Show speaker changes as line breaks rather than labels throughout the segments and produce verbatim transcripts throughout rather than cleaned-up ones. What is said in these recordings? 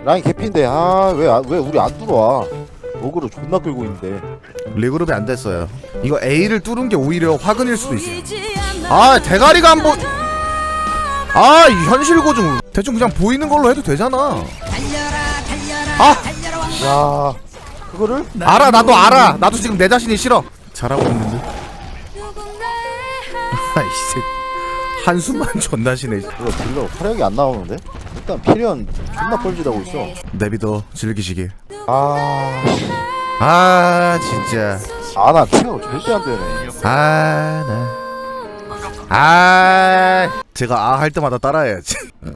라인 개피인데 아 왜 왜 우리 안 들어와? 어그로 존나 끌고 있는데.
리그룹이 안 됐어요. 이거 A를 뚫은 게 오히려 화근일 수도 있어요. 아 대가리가 안 보. 아 이 현실 고증 대충 그냥 보이는 걸로 해도 되잖아. 아
야 그거를?
알아 나도 알아. 나도 지금 내 자신이 싫어. 잘하고 있는데. 아이씨 한숨만 존나 쉬네.
이거 딜러 화력이 안 나오는데? 일단 피련 존나 뻘짓하고 있어.
내비도 즐기시길.
아,
아 진짜.
아 나 체력 절대 안 되네.
아나 아 제가 아 할 때마다 따라해야지.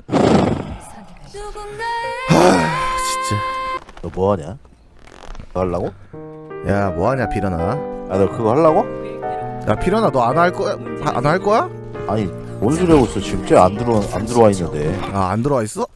아 진짜.
너 뭐하냐? 너 하려고?
야 뭐하냐 피려나.
아 너 그거 하려고?
야 피려나 너 안 할 거야? 안 할 거야?
아니 뭔 소리 하고 있어 지금. 쟤안 들어 안 들어와 있는데.
아 안 들어와 있어?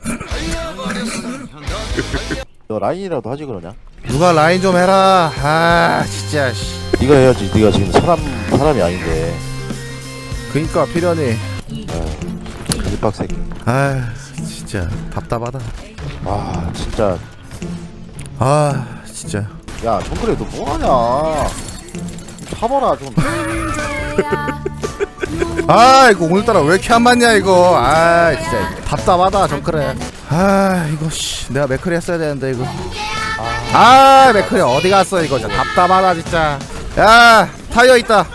너 라인이라도 하지 그러냐?
누가 라인 좀 해라. 아 진짜.
네가 해야지. 네가 지금 사람 사람이 아닌데.
그니까 피려니.
개빡새끼.
아 진짜 답답하다.
아 진짜.
아 진짜.
야 정글에 너 뭐하냐? 타봐라 좀.
아 이거 오늘따라 왜 이렇게 안 맞냐 이거. 아 진짜 답답하다 정크래. 아 이거 씨 내가 맥크리 했어야 되는데 이거. 아 맥크리 어디 갔어 이거. 진짜 답답하다 진짜. 야 타이어 있다.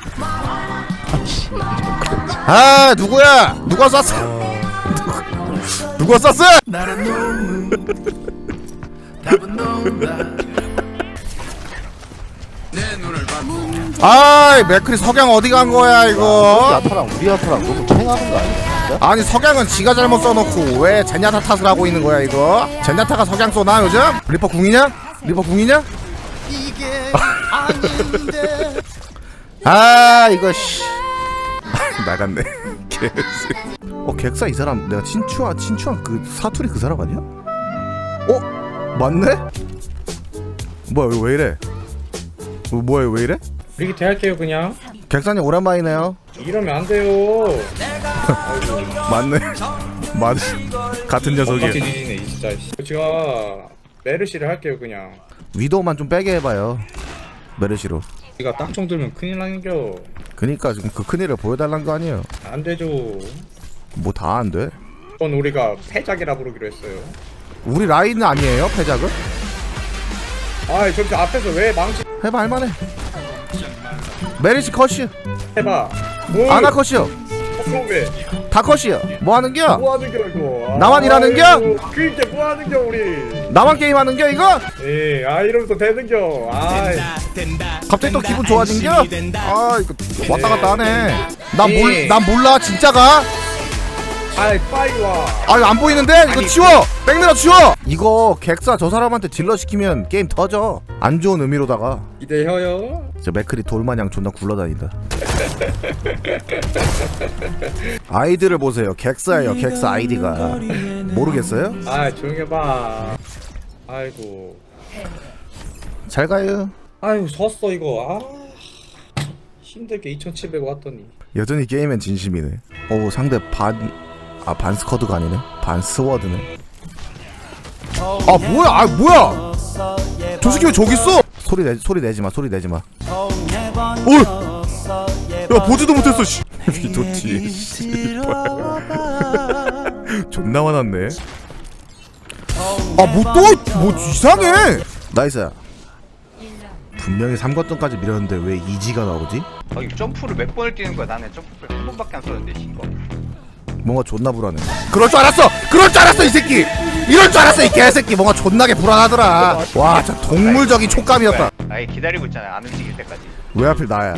아 누구야? 누가 쐈어? 누가 쐈어? 아이 맥크리 석양 어디 간 거야
우리
이거.
아타랑 우리 아타랑 너무 팽하는 거 아니야? 진짜?
아니 석양은 지가 잘못 써놓고 왜 젠야타 탓을 하고 있는 거야 이거. 젠야타가 석양 쏘나 요즘? 리퍼 궁이냐? 리퍼 궁이냐? 아 이거 씨 나갔네. 어 객사 이 사람 내가 친추한 친추한 그 사투리 그 사람 아니야? 어 맞네? 뭐야 이거 왜 이래? 어, 뭐야 이거 왜 이래?
리기 대할게요 그냥.
객사님 오랜만이네요.
이러면 안 돼요.
맞네. 맞 같은
똑같이
녀석이야.
뒤지네 이 진짜. 제가 메르시를 할게요 그냥.
위도우만 좀 빼게 해봐요. 메르시로.
네가 딱총 들면 큰일 나는겨.
그니까 지금 그 큰일을 보여달란 거 아니에요.
안 되죠.
뭐 다 안 돼?
그건 우리가 패작이라 부르기로 했어요.
우리 라인은 아니에요 패작은?
아이 저기 앞에서 왜 망치
해봐 할만해. 메르시 컷이요.
해봐.
아나 컷이요.
그럼 왜?
다 컷이요. 뭐 하는겨?
뭐 하는겨 이거?
나만 일하는겨?
그니까 뭐 하는겨 우리?
나만 게임하는겨 이거?
예, 아 이러면서 되는겨. 아이.
갑자기 또 기분 좋아진겨? 아 이거 왔다 갔다 하네. 난
예.
몰, 난 몰라 진짜가?
아이 빨리 와.
아 안 보이는데? 이거 치워! 백내려 치워! 이거 객사 저 사람한테 딜러 시키면 게임 터져. 안 좋은 의미로다가.
기대해요.
저 맥클이 돌마냥 존나 굴러다닌다. 아이디를 보세요. 객사예요. 객사 아이디가. 모르겠어요?
아 조용히 해봐. 아이고.
잘 가요.
아이고 섰어 이거. 아 힘들게 이천칠백 왔더니.
여전히 게임엔 진심이네. 오 상대 반... 아 반스커드가 아니네. 반스워드네. 아 뭐야 아 뭐야 저 새끼 왜 저기 있어. 소리 내 소리 내지마 소리 내지마. 오! 야 보지도 못했어 씨. 미도티 씨발 존나 화났네. 아 뭐 또 뭐 이상해. 나이스야. 분명히 삼 거점까지 밀었는데 왜 이지가 나오지?
아, 이 점프를 몇 번을 뛰는 거야? 나는 점프를 한 번밖에 안 썼는데 이거.
뭔가 존나 불안해. 그럴 줄 알았어! 그럴 줄 알았어 이 새끼! 이럴 줄 알았어 이 개새끼! 뭔가 존나게 불안하더라. 와 진짜 동물적인 촉감이었다.
아예 기다리고 있잖아. 안 움직일 때까지.
왜 하필 나야?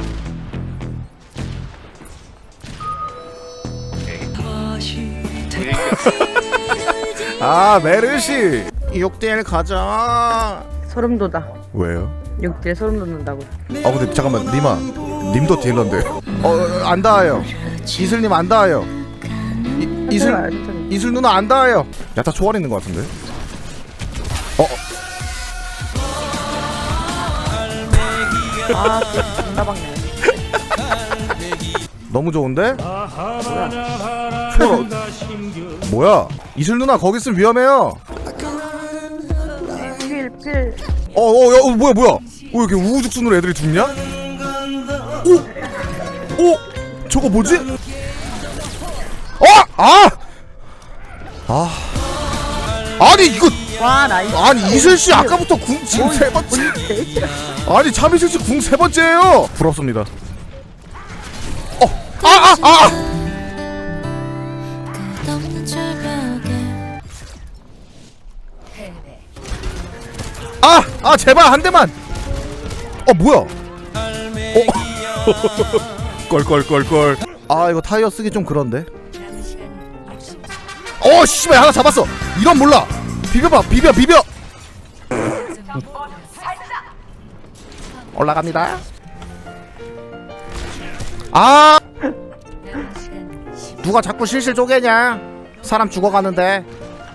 아 메르시 육 대 일 가자.
소름 돋아.
왜요?
육 대 소름 돋는다고.
아 근데 잠깐만 니마 님도 딜러인데. 어 안 닿아요. 이슬님 안 닿아요. 이, 이슬
천천히.
이슬 누나 안 닿아요. 야타 초월 있는 것 같은데. 어
아, 존나 박네.
너무 좋은데? 초월 어... 뭐야? 이슬 누나 거기 있으면 위험해요. 어어 야, 어, 뭐야 뭐야 어 이렇게 우후죽순으로 애들이 죽냐? 오! 오! 저거 뭐지? 어! 아! 아 아니 이거
와 나이스.
아니 이슬씨 아까부터 궁 지금 세 번째 아니 참이슬씨 궁 세 번째예요 부럽습니다 어! 아! 아! 아! 아! 아 제발 한 대만 어 뭐야 어 껄껄껄껄 아 이거 타이어 쓰기 좀 그런데 어 씨발 하나 잡았어 이런 몰라 비벼봐 비벼 비벼 올라갑니다 아 누가 자꾸 실실 쪼개냐 사람 죽어가는데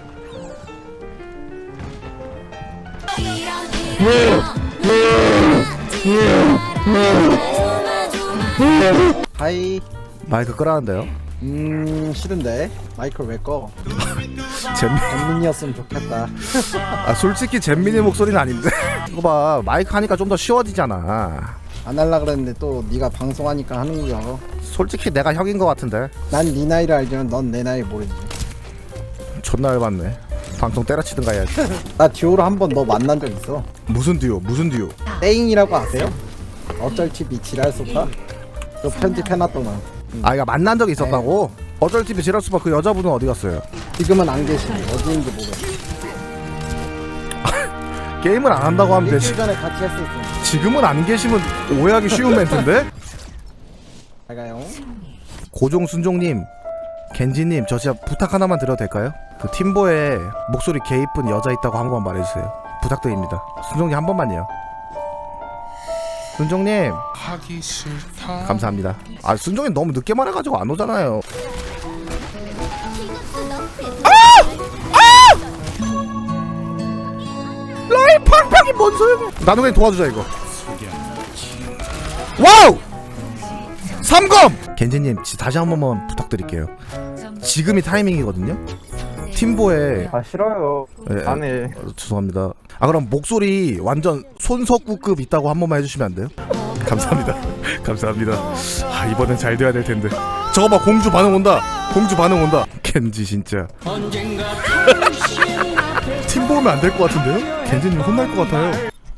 하이.
마이크 끄라는데요
음 싫은데 마이크를 왜 꺼?
잼민
잼민이었으면 좋겠다.
아 솔직히 잼민이 목소리는 아닌데 이거 봐 마이크 하니까 좀 더 쉬워지잖아
안 할라 그랬는데 또 네가 방송하니까 하는 거야.
솔직히 내가 형인 것 같은데
난 네 나이를 알지만 넌 내 나이 모르지.
존나 열받네 방송 때려치든가 해야지
나 듀오로 한 번 너 만난 적 있어.
무슨 듀오 무슨 듀오
땡이라고 아세요? 어쩔 티비 지랄 소파? 그 편집해놨더만.
아 이거 만난 적이 있었다고? 어쩔 티비 지랄수바 그 여자분은 어디 갔어요?
지금은 안 계시네. 어디 있는지 모르.
게임을 안 한다고 하면 되지
일주일 전에 같이 했었어.
지금은 안 계시면 오해하기 쉬운 멘트인데?
잘 가요.
고종순종님 겐지님 저 진짜 부탁 하나만 드려도 될까요? 그 팀보에 목소리 개 이쁜 여자 있다고 한 번만 말해주세요 부탁드립니다 순종님 한 번만요 순종님
하기 싫다.
감사합니다 아 순종님 너무 늦게 말해가지고 안 오잖아요 라이 팡팡이 뭔 소리야 나도 그냥 도와주자 이거 와우 삼검 겐지님 지- 다시 한 번만 부탁드릴게요 지금이 타이밍이거든요 팀보에
아 싫어요.
예,
안 해.
어, 죄송합니다 아 그럼 목소리 완전 손석구급 있다고 한 번만 해주시면 안 돼요? 감사합니다 감사합니다 아 이번엔 잘 돼야 될 텐데 저거 봐 공주 반응 온다 공주 반응 온다 겐지 진짜 팀 보면 안 될 것 같은데요? 겐지님 혼날 것 같아요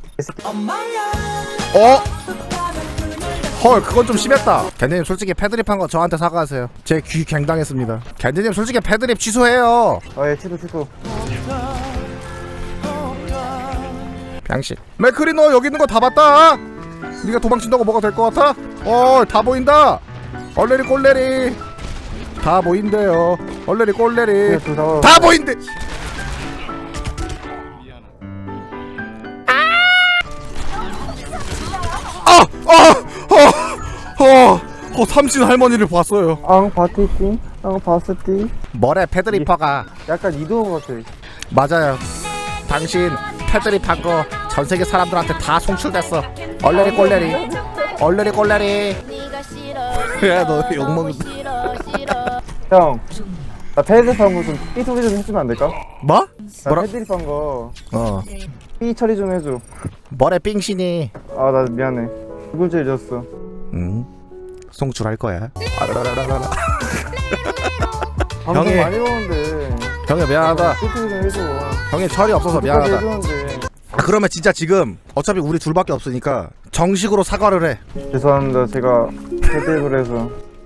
어? 헐 그건 좀 심했다 겐지님 솔직히 패드립 한 거 저한테 사과하세요 제 귀 갱당했습니다 겐지님 솔직히 패드립 취소해요
아예 치도 치도.
병신 맥크리 너 여기 있는 거 다 봤다 네가 도망친다고 뭐가 될 것 같아? 어 다 보인다 얼레리 꼴레리 다 보인대요 얼레리 꼴레리
둘다
다 보인대 아! 아! 어! 어! 어 삼신 할머니를 봤어요
앙 바티띠. 앙 바스띠.
뭐래 패드리퍼가
약간 이도우 같아.
맞아요 당신 패드립 한 거 전세계 사람들한테 다 송출됐어 얼레리 꼴레리 얼레리 꼴레리 야너 욕먹는다
형. 나 패드립 한거좀 삐 소리 좀 해주면 안 될까?
뭐?
나
뭐라?
패드립 한거
어
삐 처리 좀 해줘.
뭐래 삥신이
아 나 미안해. 두 번째 잊었어.
응 송출할 거야 아라라라라라
방송
형이-
많이 보는데.
형이 미안하다
삐 소리 좀 해줘.
형이 철이 없어서 미안하다
해주는데.
아, 그러면 진짜 지금 어차피 우리 둘밖에 없으니까 정식으로 사과를 해
죄송합니다. 제가 패드립을 해서.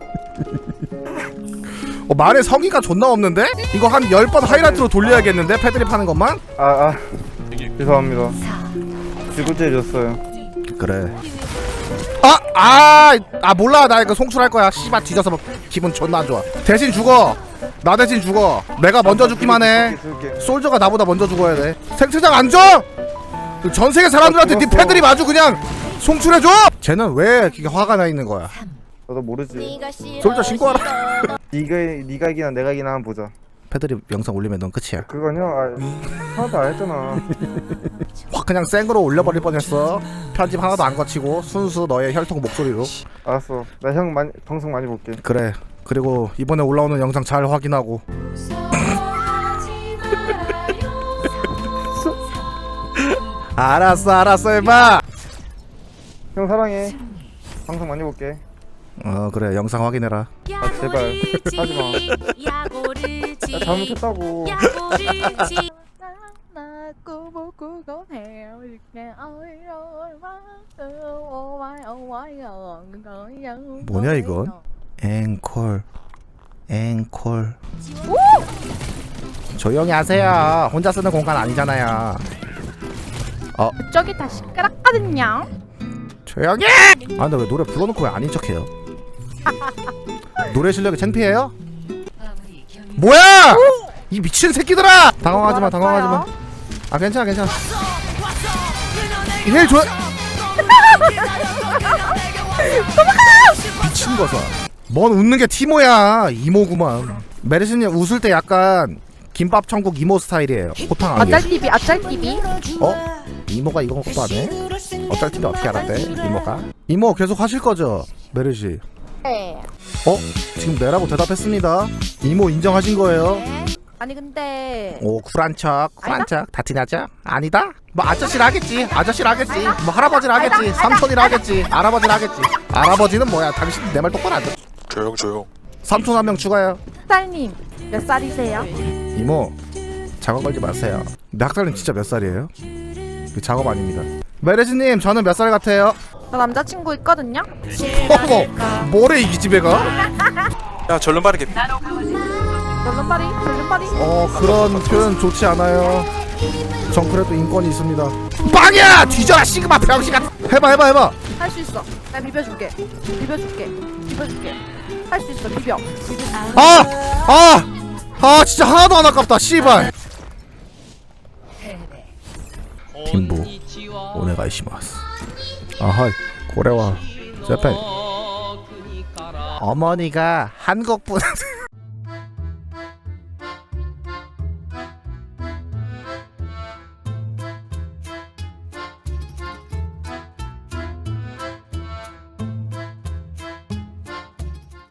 어, 말에 성의가 존나 없는데? 이거 한 열 번 하이라이트로 돌려야겠는데? 패드립 하는 것만?
아 아. 죄송합니다. 두 번째 잊었어요.
그래 아! 아! 아 몰라 나 이거 송출할 거야 씨발 뒤져서 막 기분 존나 안 좋아 대신 죽어 나 대신 죽어 내가 먼저 죽기만 해
줄게, 줄게.
솔저가 나보다 먼저 죽어야 돼 생체장 안 줘! 그 전세계 사람들한테 네
죽었어.
패드립 아주 그냥 송출해줘! 쟤는 왜 이렇게 화가 나 있는 거야
나도 모르지.
솔저 신고하라
네가 네가 이기나 내가 이기나 한번 보자.
패드립 영상 올리면 넌 끝이야
그건 형 아, 하나도 안 했잖아.
확 그냥 생으로 올려버릴 뻔했어 편집 하나도 안 거치고 순수 너의 혈통 목소리로
알았어. 나 형 많이 방송 많이 볼게.
그래 그리고 이번에 올라오는 영상 잘 확인하고 알았어 알았어 해봐.
형 사랑해. 방송 많이 볼게.
어 그래 영상 확인해라.
아 제발 하지마. 나 잘못했다고.
뭐냐 이건? 앵콜 앵콜. 조용히 하세요. 혼자 쓰는 공간 아니잖아요. 어
저기 다 시끄럽거든요.
조용히. 아 근데 왜 노래 불러놓고 왜 아닌 척해요? 노래 실력이 창피해요? 뭐야! 이 미친 새끼들아! 당황하지마 당황하지마. 아 괜찮아 괜찮아. 힐 줘. 미친 거사. 뭔 웃는 게 티모야. 이모구만. 메르시님 웃을 때 약간 김밥 천국 이모 스타일이에요. 호탕하게.
아짤티비 아짤티비.
어? 이모가 이거 것도 안 해? 어쩔 텐데 어떻게 알았대? 이모가? 이모 계속 하실 거죠? 메르시.
네.
어? 지금 네라고 대답했습니다. 이모 인정하신 거예요?
아니 근데
오 쿨한 척 쿨한 척 다 티나죠? 아니다? 뭐 아저씨라 하겠지 아저씨라 하겠지 뭐 할아버지라 하겠지 삼촌이라 하겠지 할아버지라 하겠지. 할아버지는 뭐야? 당신 내 말 똑바로 안 듣.
조용 조용.
삼촌 한 명 추가요.
딸님 몇 살이세요?
이모 작업 걸지 마세요. 근데 학살님 진짜 몇 살이에요? 이거 작업 아닙니다. 메르시님 저는 몇 살 같아요?
저 남자친구 있거든요.
어머 뭐래 이 기집애가?
야 절름 바르게.
절름발이 절름발이.
어 그런 표현 좋지 않아요. 전 그래도 인권이 있습니다. 빵이야 뒤져라 시그마 병신 같은. 해봐 해봐 해봐.
할 수 있어. 내가 비벼줄게. 비벼줄게. 비벼줄게. 할 수 있어. 비벼.
아! 아! 아 진짜 하나도 안 아깝다 씨발. 김부 오네가이시마스. 아하이 고래와 재팬. 어머니가 한국 분